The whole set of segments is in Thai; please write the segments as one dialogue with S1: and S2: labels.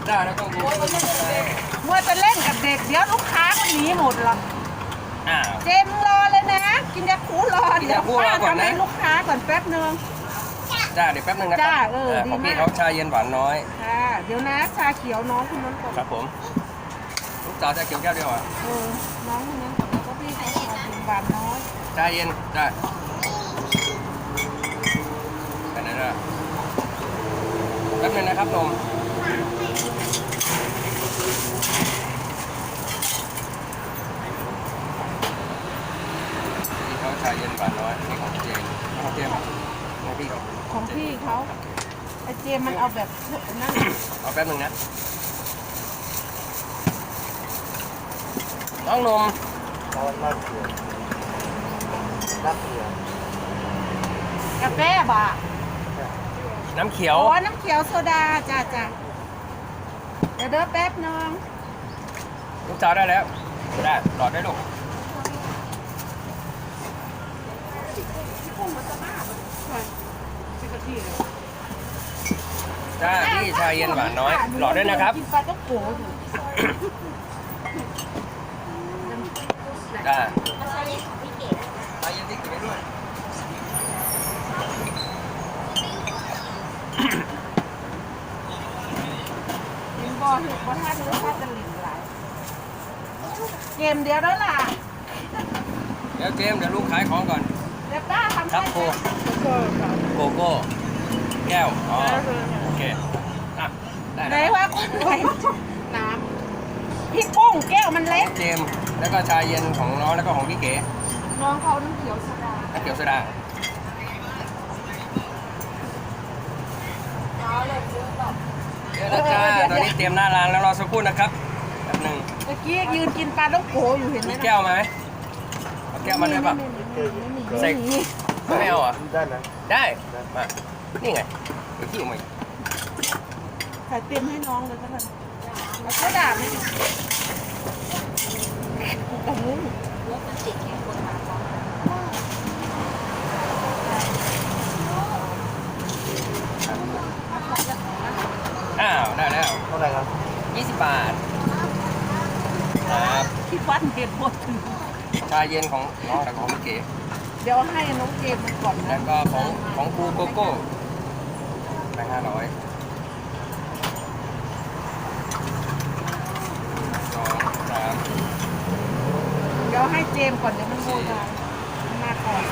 S1: ได้แล้วต้องดู
S2: มัวจะเล่นกับเด็กเดี๋ยวลูกค้าก็หนีหมดหรอกเจมรอเลยนะกินยาคูรอเดี๋ยวป้าทำให้ลูกค้าก่อนแป๊บนึง
S1: จ้าเดี๋ยวแป๊บนึงนะครับของพี่เขาชาเย็นหวานน้อย
S2: ค่ะเดี๋ยวนะชาเขียวน้องคนนั้นก่อน
S1: ครับผมลูกสาวชาเขียวแก้วเดียวอ่ะ
S2: น้องคนนั้นก่อนแล้วก็พี่เขาชาเย็นหวานน้อย
S1: ชาเย็นจ้าแค่นั้นนะแป๊บนึงนะครับนมพี่เขาชาเย็นหวานน้อยนี่ของเจมของเจมของพี่เขา
S2: ของพี่เขาไอเจมมันเอาแบบนั่น
S1: เอาแป๊บนึงนะน้องนม
S3: รักเขียว
S2: กาแฟบ่ะ
S1: น้ำเขียว
S2: อ๋อน้ำเขียวโซดาจ้าเดี๋ยวเด้อแป๊บนึง
S1: ลูกสาวได้แล้วได้หลอดได้ลูกจ้าพี่ชาเย็นหวานน้อยหลอดด้วยนะครับ
S2: กินปลาต้องโกอยู่
S1: จ้าชาเย็นที่เก็บไว้ด้วย
S2: กินบ่อถึงบ่อท่านื้อท่าจะหลิงหลายเกมเดียวแล้วล่ะ
S1: เดี๋ยวเจมเดี๋ยวลูกขายของก่อน
S2: เดี๋ยวป้าทำ
S1: ครับโกโก้แก้วอ๋อโอเคได้
S2: ไหนว่าคุณไว้น้ำพี่กุ้งแก้วมันเล็ก
S1: เจมแล้วก็ชาเย็นของน้องแล้วก็ของพี่เก๋
S2: น้องเขาน้ำเขียวโซดา
S1: น้ำเขียวโซดาเดี๋ยวนะจ้าตอนนี้เตรียมหน้าร้านแล้วรอสักครู่นะครับแป๊บนึง
S2: เมื่อกี้ยืนกินปลาต้องโกอยู่เห็นไหม
S1: มีแก้วไหมเอาแก้วมาด้วยป่ะเซ็กไม่เอาอ่ะ
S3: ได้นะ
S1: ได้มานี่ไงเดี๋ยวขี้ออกมา
S2: ใส่เต็มให้น้องเลยก็ได้แล้วก็ด่าไม่ถูกกับมุ้งรถมันติดแค่คนมา
S1: ได้แล้ว
S3: เท่าไหร่ครับ
S1: 20 บาทครับ
S2: ที่วัดเก็บหมดถึง
S1: ชาเย็นของน้องกับของพี่เก๋
S2: เดี๋ยวให้น้องเกมมันก่อน
S1: แล้วก็ของครูโกโก้ไป500 2 3
S2: เดี๋ยวให้เจมก่อนเดี๋ยวมันโง่ได้มาก่อน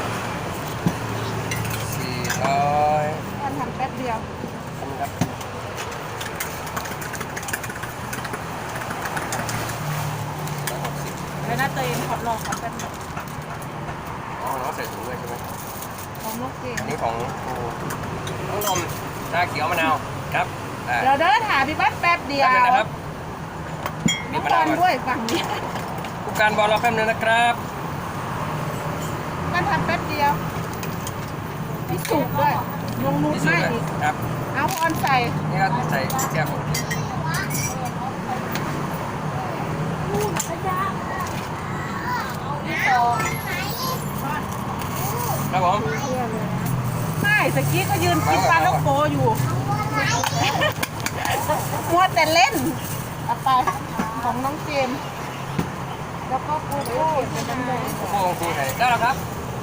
S1: 400
S2: ท่านทำแป๊บเดียว
S1: ครับ
S2: แล้วน่าตัวเองขอรอขอแป๊บนึง
S1: อ๋อน้องใส่ถุงด้วยใช่ไหม
S2: ของน้องเกม
S1: อันนี้ของครูน้องนมชาเขียวมะนาวครับ
S2: เดี๋ยวเดินหาพี่บ้านแป๊บเดียว
S1: นะครับ
S2: มีมะนาวด้วยฝั่งนี้
S1: ผู้การบอลเราแป๊บนึงนะครับ
S2: มันทำแป๊บเดียวพี่สุกด้วยลงนูดไม่อีก
S1: ครับ
S2: เอาพรใส่
S1: นี่ก็ใส่แก้วครับผม
S2: ไม่สกี้ก็ยืนกินปลาลูกโปอยู่มัวแต่เล่นเอาไปของน้องเจมแล้วก็โกโก้เป็นน้ำแดง
S1: โกโก้ของครูไหนได้แล้วครับ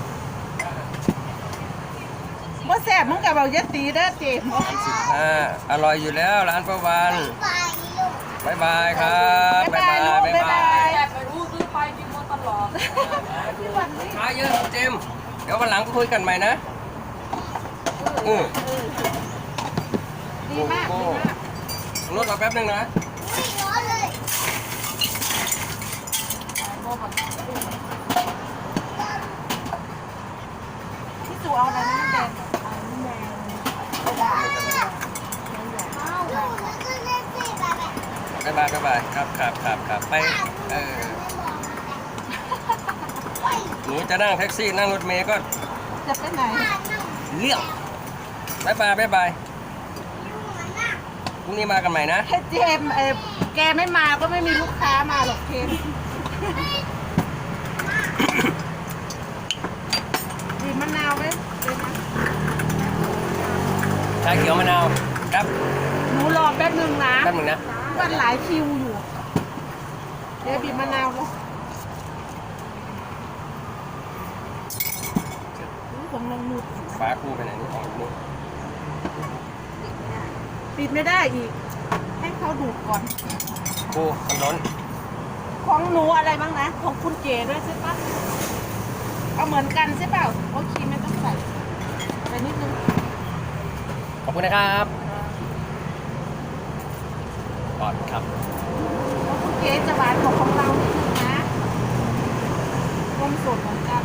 S2: บ่แซ่บมึงกับเราเยอะตีเด้อเจม
S1: อร่อยอยู่แล้วร้านประวันบายบายครับ
S2: บ๊ายบายบ๊ายบาย
S4: ไปรู้ซื้อไปกินมาตลอด
S1: มาเยอะเจมเดี๋ยววันหลังคุยกันใหม่นะ
S2: ดีมากดีมาก
S1: รถเราแป๊บนึงนะ
S2: พี่จูเอาอะไรน้ำแดง
S1: บ๊ายบายบ๊ายบายครับไปหนูจะนั่งแท็กซี่นั่งรถเมล์ก็
S2: จะไปไหน
S1: เลี่ยงบ๊ายบายพรุ่งนี้มากันใหม่นะ
S2: เจมแกไม่มาก็ไม่มีลูกค้ามาหรอกเจมดีมะนาวไหม
S1: ชาเขียวมะนาวครับ
S2: หนูรอแป๊บนึงนะ
S1: แป๊บนึงนะ
S2: มันหลายคิวอยู่ เดี๋ยวบีบมะนาวแล้วของน้องนุช
S1: ฟ้าคู่ไปไหนนี่ของนุช
S2: ปิดไม่ได้อีก ให้เขาดูดก่อน
S1: คู่มันล้น
S2: ของหนูอะไรบ้างนะ ของคุณเก๋ด้วยใช่ปะเอาเหมือนกันใช่เปล่าโอเคไม่ต้องใส่ใส่นิดนึง
S1: ขอบคุณนะครับก่อนครับ
S2: ของคุณเก๋จะหวานกว่าของเรานิดนึงนะนมสดเหมือนกัน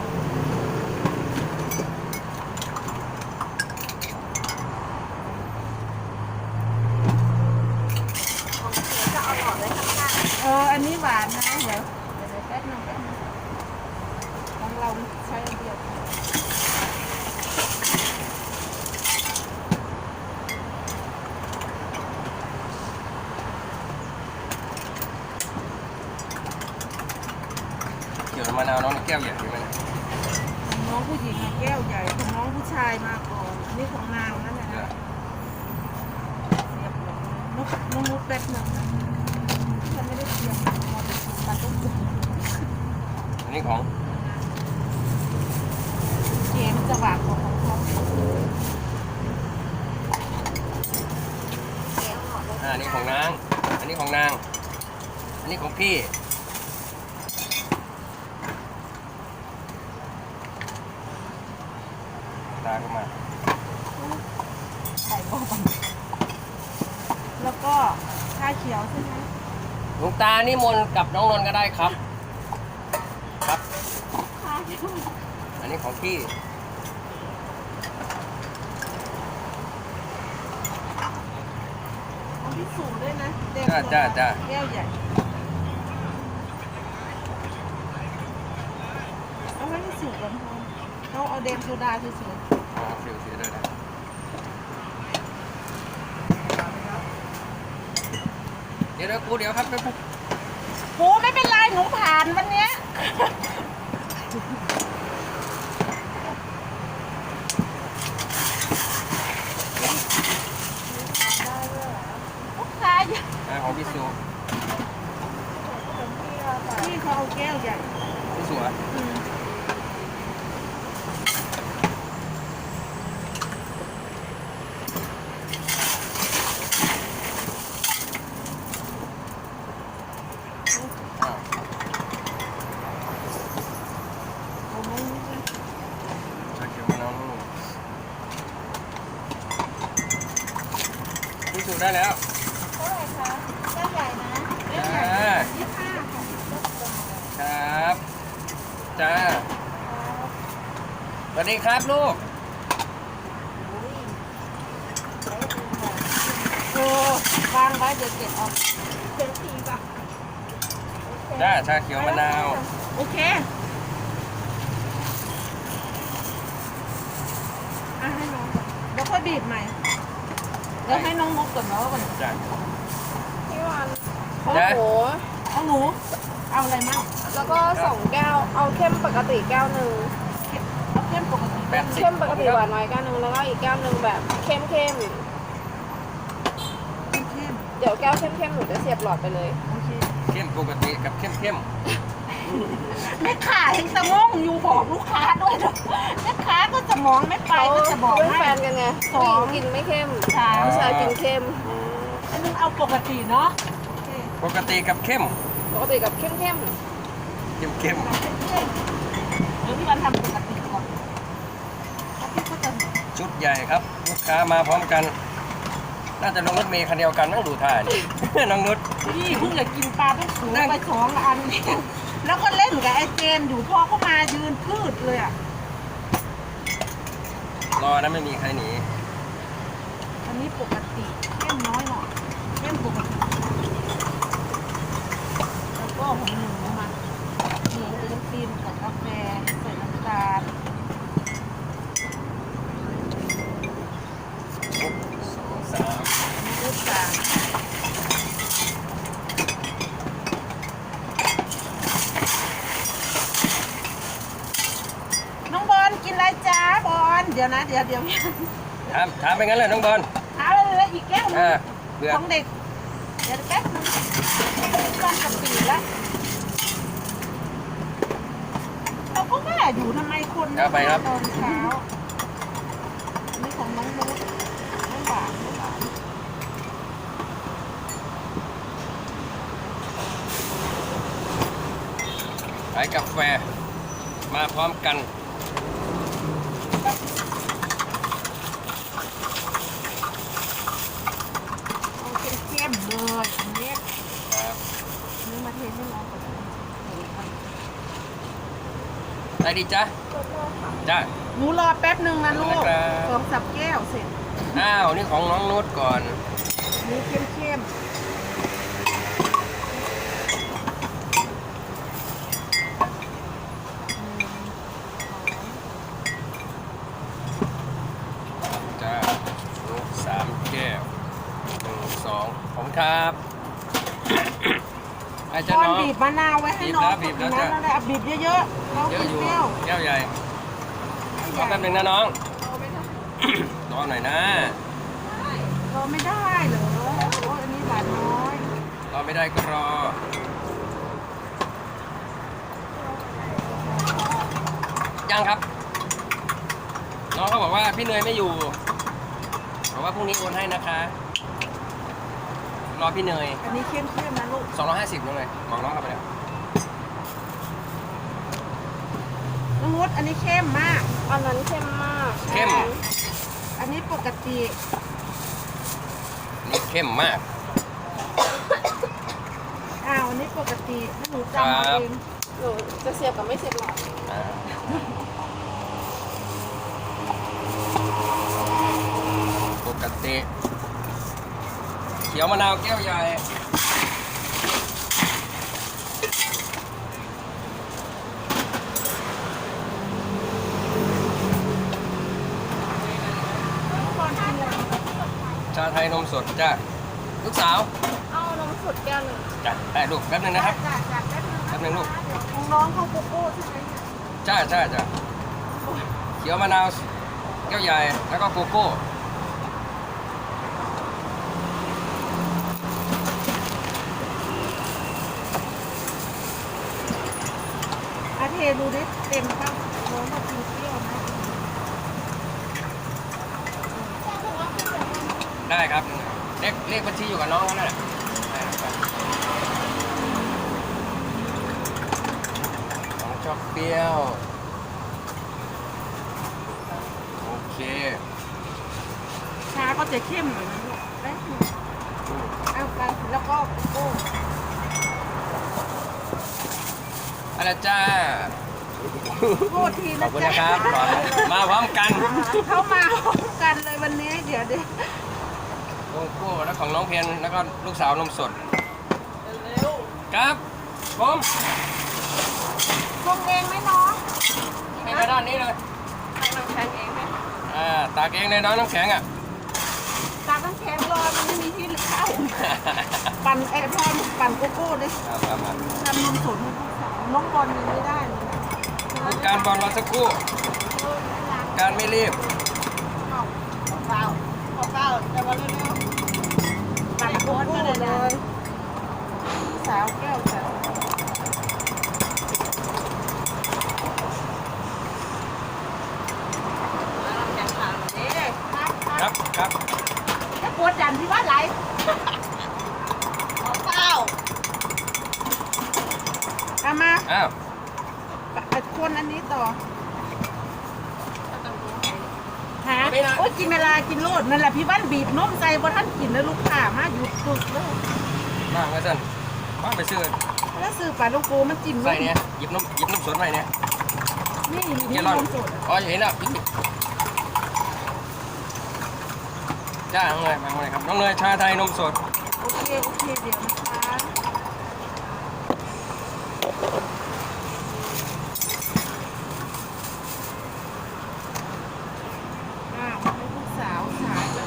S2: อันนี้หวานนะ เดี๋ยวแป๊บนึงของเราใช้อันเดียว
S1: เกี่ยวกับมะนาวน้องแก้วใหญ่ไหม
S2: ของน้องผู้หญิงอะแก้วใหญ่ของน้องผู้ชายมาก่อนอันนี้ของนางนั่นแหละนะเรียบร้อยน้องนุชแป๊บนึงนะฉันไม่ได้เตรียมมาต้องดู
S1: อันนี้ของ
S2: เกมจะหวานกว่าของเขา
S1: อันนี้ของนาง อันนี้ของนาง อันนี้ของพี่ตาเข้ามา
S2: ไข่บ้างแล้วก็ชาเขียวใช่ไหม
S1: หลวงตานี่มนต์กับน้องนนท์ก็ได้ครับ ครับ
S2: ชาเขียว
S1: อันนี้ของพี่
S2: ของพี่สูด้วยนะเด็ก
S1: จ้าจ้า
S2: แก้วใหญ่เอาไว้ให้สูก่อนพอเราเอาเดมโซดาเฉย
S1: ฟิวด้วยนะเดี๋ยวกูเดี๋ยวครับ
S2: ๆปูไม่เป็นไรหนูผ่านวันเนี้ยลูกค้าเยอะ
S1: ของพี่สู
S2: พี่เขาเอาแก้วใหญ่
S1: พี่สูอ่ะ
S2: อืม
S1: อ้าว
S2: เอาไว้นี่นะ
S1: ชาเขียวมะนาวนู่นพี่สูได้แล้ว
S2: เท่าไหร่คะแก้วใหญ่นะแก้ว
S1: จ้า
S2: ใหญ่25ค่ะ
S1: ครับจ้าสวัสดีครับลูก
S2: โอ้วางไว้เดี๋ยวเก็บเอาเก็บทีป่ะ
S1: จ้าชาเขียวมะนาว
S2: โอเคอ่ะให้น้องก่อนเดี๋ยวค่อยบีบใหม่เดี๋ยวให้น้องมุกก่อนเนาะก่อน
S1: จ้า
S4: พี่วัน
S2: โอ้
S1: ได้
S2: โหเอาหนู เอาอะไรมั่ง
S4: แล้วก็2แก้ว เอาเข้มปกติแก้วหนึ่ง
S2: เอาเข้มปกติ
S1: 80
S4: เข้มปกติหวานน้อยแก้วหนึ่งแล้วก็อีกแก้วหนึ่งแบบเข้ม
S2: เข้ม
S4: เดี๋ยวแก้วเข้มหนูจะเสียบหลอดไปเลย
S2: โอเค
S1: เข้มปกติกับเข้ม
S2: แม่ค้ายังสมองอยู่บอกลูกค้าด้วยนะแม่ค้าก็สมองไม่ไปก็จะบอก
S4: เป็น
S2: ให้
S4: แฟนกันไง
S2: สอง
S4: ผู้หญิงกินไม่เข้ม
S2: สาม
S4: ผู้ชายกินเข้ม
S2: อันนึงเอาปกติเนาะโอเค
S1: ปกติกับเข้ม
S4: ปกติกับเข้ม
S1: เข้ม
S2: เดี๋ยวพี่วันทำปกติก่อนแล้วพี่ก็จะ
S1: ชุดใหญ่ครับ ลูกค้ามาพร้อมกัน น่าจะลงรถเมล์คันเดียวกันนั่งดูท่านี่ น้องนุช
S2: พี่เพิ่งจะกินปลาต้องสูงไป2 อันเนี่ยแล้วก็เล่นกับไอ้เจมส์อยู่พอเข้ามายืนพืดเลยอ่ะ
S1: รอนะไม่มีใครหนี
S2: อันนี้ปกติเข้มน้อยหน่อยเข้มปกติแล้วก็ของหนูมาหนูจะกินกับกาแฟใส่น้ำตาล
S1: 2 3
S2: ลูกตาลน้องบอลกินอะไรจ้าบอลเดี๋ยวนะเดี๋ยว
S1: ถามไปงั้นเลยน้องบอล
S2: ถามเลยแล้วอีกแก้วนึง
S1: เบื่อ
S2: ของเด็กเดี๋ยวแป๊บนึงก้อนกะปิแล้วเราก็ว่าอยู่ทำไมคน
S1: เอาไปครับ
S2: ตอนเช้าอันนี่ของน้องนุ๊กน้องหวานน้องหวาน
S1: ขายกาแฟมาพร้อมกัน
S2: เอาเข้มๆเลยอันนี้
S1: ครับ
S2: นี่มาเทให้น้องก่อน
S1: ได้ดีจ้ะจ้ะ
S2: หนูรอแป๊บหนึ่งนะลูก
S1: ได้ครับ
S2: สองสับแก้วเสร็จ
S1: อ้าวนี่ของน้องนุชก่อน
S2: นี่เข้ม
S1: จ้ะนุช3 แก้ว 1 2ผมครับไอ้
S2: ๆ
S1: เจ้า
S2: ก้อน
S1: น้อง
S2: บีบมะนาวไว้ให้น้อง
S1: บีบแล้ว
S2: นะ
S1: จ้ะ
S2: นั่นแหละบีบเยอะๆน้อง
S1: เยอะ
S2: กิน
S1: อยู่
S2: เปรี้ยว
S1: แก้วใหญ่รอแป๊บนึงนะน้อง รอหน่อยนะ
S2: รอไม่ได้เหรอโอ้ยอันนี้หวานน้อย
S1: รอไม่ได้ก็รอ ยังครับ น้องเขาบอกว่าพี่เนยไม่อยู่บอกว่าพรุ่งนี้โอนให้นะคะ รอพี่เนย
S2: อันนี้เข้มๆนะลูก
S1: 250น้องเลยบอกน้องเขาไปแล้ว
S2: น้องนุชอันนี้เข้มมาก
S4: อันนั้นเข้มมาก
S1: เข้ม
S2: อันนี้ปกติ
S1: นี่เข้มมาก
S2: อันนี้ปกติถ้าหนูจำเอาเอง
S4: หนูจะเสียบกับไม่เสียบหลอด
S1: อ่าปกติเขียวมะนาวแก้วใหญ่
S2: ก่อนกินเลย
S1: ชาไทยนมสดจ้าลูกสาว
S4: เอานมสดแก้วหนึ่ง
S1: จ้ะได้ลูกแป๊บนึงนะครับ
S2: จ้ะแป๊บนึง
S1: แป๊บนึงลูก
S2: ของน้องเขาโกโก้ใช่ไหมเนี่ย
S1: จ้าเขียวมะนาวแก้วใหญ่แล้วก็โกโก้
S2: อาเทดูดิเต็มป่ะน้องมากินเปรี้ยวนะ
S1: ได้ครับเลขบัญชีอยู่กับน้องเขานั่นแหละได้ครับน้องชอบเปรี้ยวโอเค
S2: ชาก็จะเข้มหน่อยนะลูกแป๊บนึงเอาไปแล้วก็โกโก้
S1: อะไรจ้า
S2: โทษที
S1: ขอ
S2: นะ
S1: บคุณ
S2: จ๊ะ
S1: นะครับมาพร้อมกัน
S2: เข้ามาพร้อมกันเลยวันนี้เดี๋ยว
S1: โกโก้แล้วของน้องเพียนแล้วก็ลูกสาวนมสดครับผม
S2: พวงเองไหมน้อง
S1: ให้ไปด้านนี้เลย
S4: ตักน้ำแข็งเองไหม
S1: ตากเองเลยน้องน้ำแข็งอ่ะ
S2: ตากน้ำแข็งรอมันไม่มีที่เข้าปั่นพ่อปั่นโกโก้ดิ
S1: ครับ
S2: ทำนมสดให้ลูกสาวน้องบอลยังไม่ได้เลยนะ
S1: การบอลรอสักครู่การไม่รีบ
S2: เปล่าแต่ว่าเร็วๆปั่นโกโก้เลยสาวแก้วสาว
S1: ครับครับ
S2: จะปวดดันที่ว่าไหลเปล่าเอามา
S1: อ้าว
S2: คนอันนี้ต่อหาโอ้ยกินเวลากินโลดนั่นแหละพี่บ้านบีบนมใส่บ่ท่านกินแล้วลูกค้ามาหยุดปึกเลย
S1: มาไว้สั่นมาไปซื้อ
S2: แล้วซื้อปลาลูกโกมันจิ้ม
S1: ใส่เนี่ยหยิบนมสดไปเนี่ย
S2: นี่มี
S1: เก
S2: น
S1: ลอน
S2: มสด
S1: อ๋อเห็นแล้วจ้าน้องเนยมาเลยครับน้องเนยชาไทยนมสด
S2: โอเคเดี๋ยวนะคะให้ลูกสาวสายแล้ว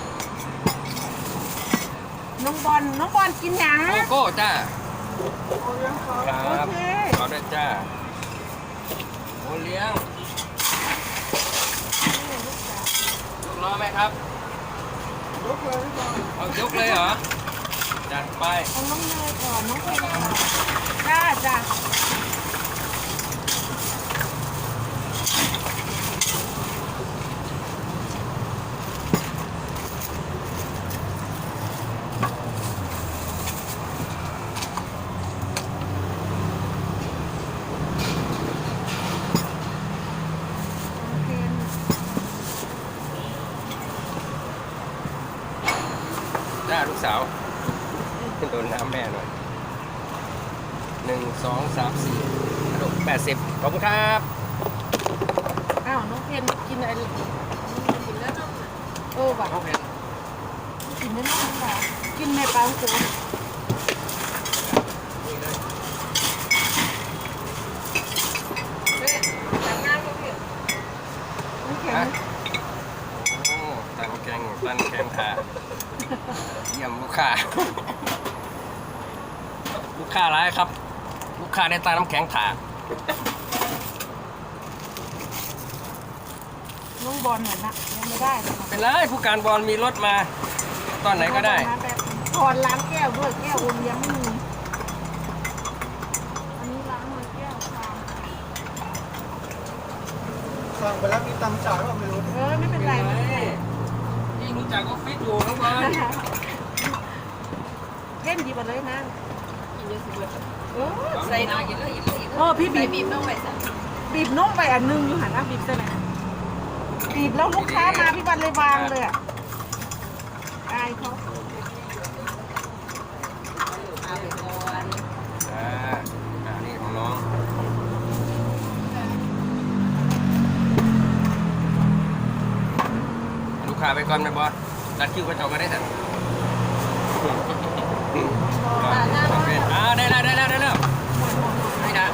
S2: น้องบอลกินหยัง
S1: โกโก้จ้า ค
S2: โอ
S1: รับ
S2: เค
S1: ขอด้วยจ้าโอเลี้ยงลูกรอไหมครับ
S2: ยกเลยก่อน
S1: เอายกเลยเหรอ จัดไป
S2: เอาน้องเนยก่อนน้องเพนก่อนจ้าจ้า
S1: จ้าลูกสาวโดนน้ำแม่หน่อย1 2 3 4กระดก80ขอบคุณครับ
S2: อ้าวน้องเพนกินอะไร
S4: กินแล้วนมอ่ะ
S2: ว่ะ
S1: น้องเพน
S2: กินไม่ได้ค่ะกินแม่ปลาโขง
S1: นี่เลย
S4: แม่แต่งงานก็เปลี่ยน
S2: น้ำแข็
S1: ฮะ
S2: ง
S1: โอ้ตันแกงขาเยี่ยมลูกค้า ลูกค้าร้ายครับ ลูกค้าได้ตาน้ำแข็งขา
S2: น้องบอลเหมือนนะยังไม่ได้เลย
S1: เป็นไรผู้การบอลมีรถมา ตอนไหนก็ได้
S2: ถอนล้างแก้วด้วยแก้วอุ่นยังไม่มีอันนี้ล้างมือแก้วชาม
S3: สั่งไปแล้วมีตำจ่ายว่าไม่รู้
S2: ไม่เป็นไรไม่เป็นไร
S1: ยิ่งรู้จักออฟฟิศอยู่น้องบอล
S2: เล่นดีกว่าเลยนะ
S4: กินเยอะสุดเลย
S2: ใส่
S4: ใส่น้ำกินเลยกินเลย
S2: พี่
S4: ใส่
S2: บี
S4: บี
S2: บบ
S4: ต้องไปใส่
S2: บีบนุ่มไปอันนึงอยู่หันหน้าบีบใช่ไหมบีบแล้วลูกค้ามาพี่วันเลยวางเลยอ่ะอายเขา
S4: เอาไปก่อน
S1: นี่ของน้อง ลูกค้าไปก่อนไหมบอสตัดคิวกระจกก็ได้สักได้แล้วได้แล้วได้แล้วนี่นะ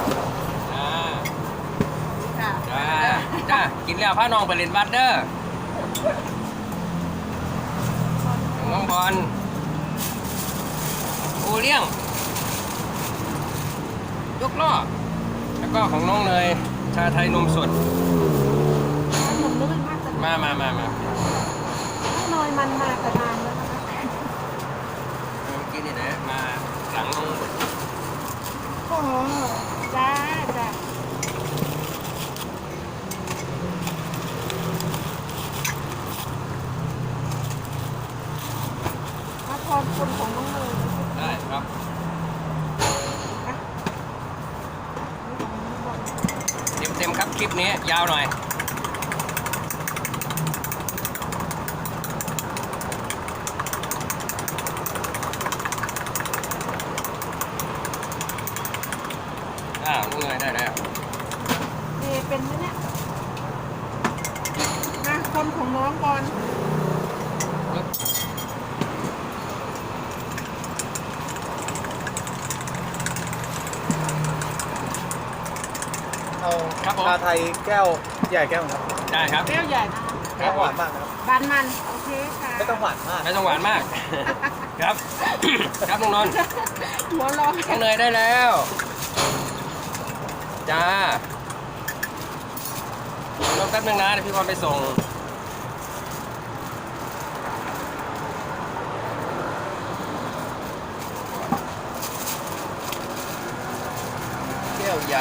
S1: จ้ากินแล้วพาน้องไปเล่นบัตเดอร์น้องบอลโอเลี้ยงยกล้อแล้วก็ของน้องเนยชาไทยนมสด
S2: ขนมนุ่มมากแต่
S1: มา
S2: น้อยมันมาแต่นานแล้วนะคะ
S1: เมื่อกี้นี่แหละมาหลัง
S2: โอ้จ้าจ้ามาทอนคนของน้องเลย
S1: ได้ครับเต็มครับคลิปนี้ยาวหน่อยลูกเนยได้แล้ว
S2: เป็นไหมเนี่ยมาคนของน้องก่อน
S3: เอา
S1: ครับผม
S3: ชาไทยแก้วใหญ่แก้วครับ
S1: ได้ครับ
S2: แก้วใหญ่นะ
S3: ไม่ต้องหวานมากนะครับ
S2: บานมันโอเคค่ะ
S3: ไม่ต้องหวานมาก
S1: ไม่ต้องหวานมาก ครับ ครับน้องนนท์
S2: หัวร้อน
S1: น้องเนยได้แล้ว จ้า รอแป๊บนึงนะเดี๋ยวพี่บอลไปส่ง แก้วใหญ่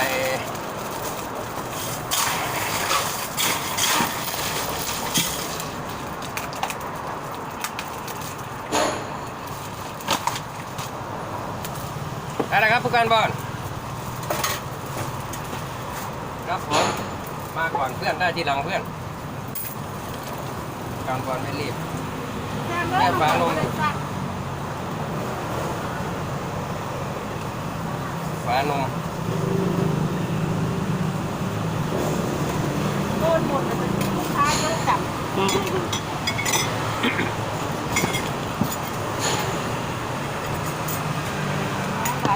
S1: ได้แล้วครับผู้การบอลครับผมมาก่อนเพื่อนได้ทีหลังเพื่อนการบอลไม่รีบ แม่ฟ้าลง ฝานม
S2: โดนหมดเลยลูกค้าเยอะจับร้าน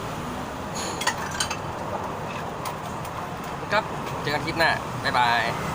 S1: ครับ เจอกันคลิปหน้า บ๊ายบาย